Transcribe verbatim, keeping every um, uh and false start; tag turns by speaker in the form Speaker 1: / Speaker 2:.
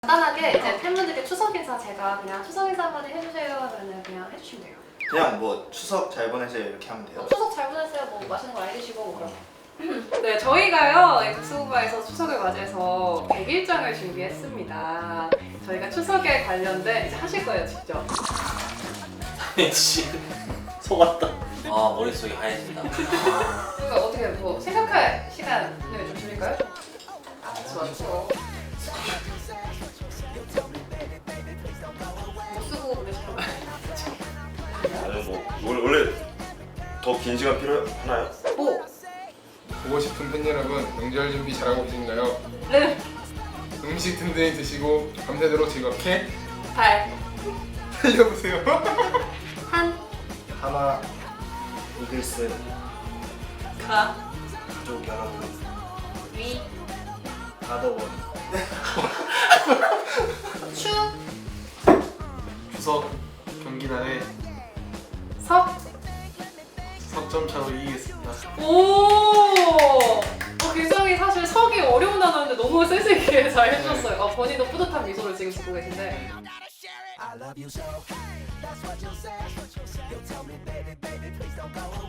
Speaker 1: 간단하게 이제 팬분들께 추석 인사 제가 그냥 추석 인사 한마디 해주세요 하면은 그냥 해주시면 돼요.
Speaker 2: 그냥 뭐 추석 잘 보내세요 이렇게 하면 돼요.
Speaker 1: 뭐 추석 잘 보내세요. 뭐 맛있는 거 많이 드시고 뭐 그럼. 네, 저희가요 국수부바에서 추석을 맞이해서 백일장을 준비했습니다. 저희가 추석에 관련된 이제 하실 거예요 직접.
Speaker 3: 씨 속았다. 아 머릿속이 하얘진다.
Speaker 1: 그러니까 어떻게 뭐 생각할 시간을 좀 드릴까요? 좋아 좋아. 못 쓰고 그러시는 거예요?
Speaker 4: 아니 뭐 원래, 원래 더 긴 시간 필요하나요?
Speaker 1: 오!
Speaker 5: 보고 싶은 팬 여러분, 명절 준비 잘하고 계신가요?
Speaker 1: 네!
Speaker 5: 음식 든든히 드시고 밤새도록 즐겁게
Speaker 1: 발!
Speaker 5: 달려보세요.
Speaker 1: 한!
Speaker 2: 하나 이글스
Speaker 1: 가!
Speaker 2: 가족 여러분
Speaker 1: 위!
Speaker 2: 가더원
Speaker 1: 추!
Speaker 6: 추석 경기 날에
Speaker 1: 석!
Speaker 6: 석점 차로 이기겠습니다.
Speaker 1: 오! 어, 굉장히 사실 석이 어려운 단어인데 너무 센스있게 잘 해주셨어요. 아, 본인도 뿌듯한 미소를 지금 짓고 계신데.
Speaker 7: I love you so. That's what you say. You told me, baby, baby, please don't go.